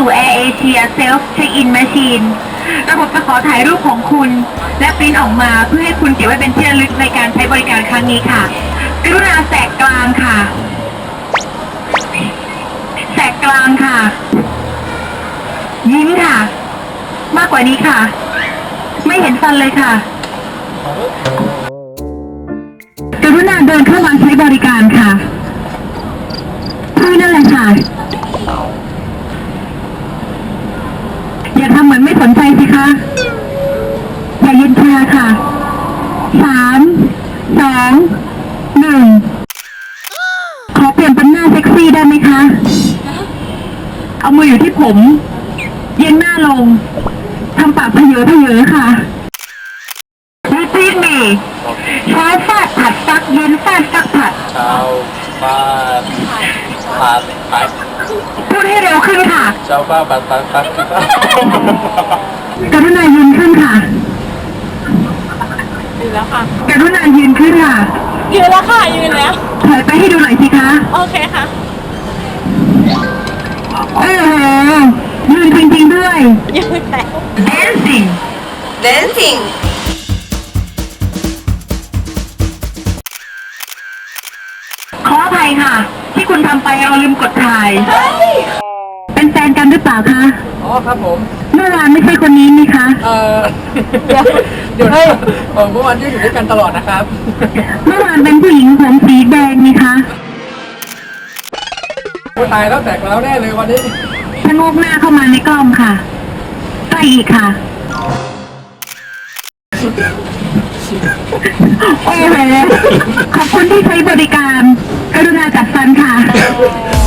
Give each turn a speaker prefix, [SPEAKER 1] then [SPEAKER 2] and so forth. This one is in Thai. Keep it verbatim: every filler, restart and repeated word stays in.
[SPEAKER 1] สู่ Air Asia Self Check-in Machine ระบบจะขอถ่ายรูปของคุณและปริ้นออกมาเพื่อให้คุณเก็บไว้เป็นที่ระลึกในการใช้บริการครั้งนี้ค่ะกรุณาแสกกลางค่ะแสกกลางค่ะยิ้มค่ะมากกว่านี้ค่ะไม่เห็นฟันเลยค่ะกรุณาเดินเข้ามาใช้บริการค่ะใช่นั่นแหละค่ะอย่าทำเหมือนไม่สนใจสิคะอย่ายืนชาค่ะสามสองหนึ่งขอเปลี่ยนเป็นหน้าเซ็กซี่ได้ไหมคะเอามืออยู่ที่ผมเย็นหน้าลงทำปากเพเยอเพเยอค่ะรีบมีเช้าฟาดผัดซักเย็นฟาดซักผัด
[SPEAKER 2] เช้าฟาดผัดผัด
[SPEAKER 1] พูดให้เร็วขึ้นค่ะ
[SPEAKER 2] เช้าฟาดผัดผัดผัด
[SPEAKER 1] กรุณายืนขึ้นค่ะ
[SPEAKER 3] ยืนแล้วค่ะ
[SPEAKER 1] กรุณายืนขึ้นค่ะ
[SPEAKER 3] ยืนแล้วค่ะยืนแล้ว
[SPEAKER 1] ถอยไปให้ดูหน่อยสิคะ
[SPEAKER 3] โอเคค่ะ
[SPEAKER 1] เออยืนจริงๆด้วย
[SPEAKER 3] ยืนแล้ว
[SPEAKER 1] dancing
[SPEAKER 3] dancing
[SPEAKER 1] ขออภัยค่ะที่คุณทำไปเราลืมกดถ่ายเป็นแฟนกันหรือเปล่าคะ
[SPEAKER 2] อ๋อครับผม
[SPEAKER 1] เมื่อวานไม่ใช่คนนี้นี่คะ
[SPEAKER 2] เออเดี๋ยวเดี๋ยวเมื่อวานอยู่ด้วยกันตลอดนะครับ
[SPEAKER 1] เมื่อวานเป็นผู้หญิงผมสีแดงนี่คะ
[SPEAKER 2] ผู้ตายแล้วแตกแล้วแน่เลยวันนี้
[SPEAKER 1] ชะโงกหน้าเข้ามาในกล้องค่ะใกล้อีกค่ะโอ้โหขอบคุณที่ใช้บริการกรุณาจัดฟันค่ะ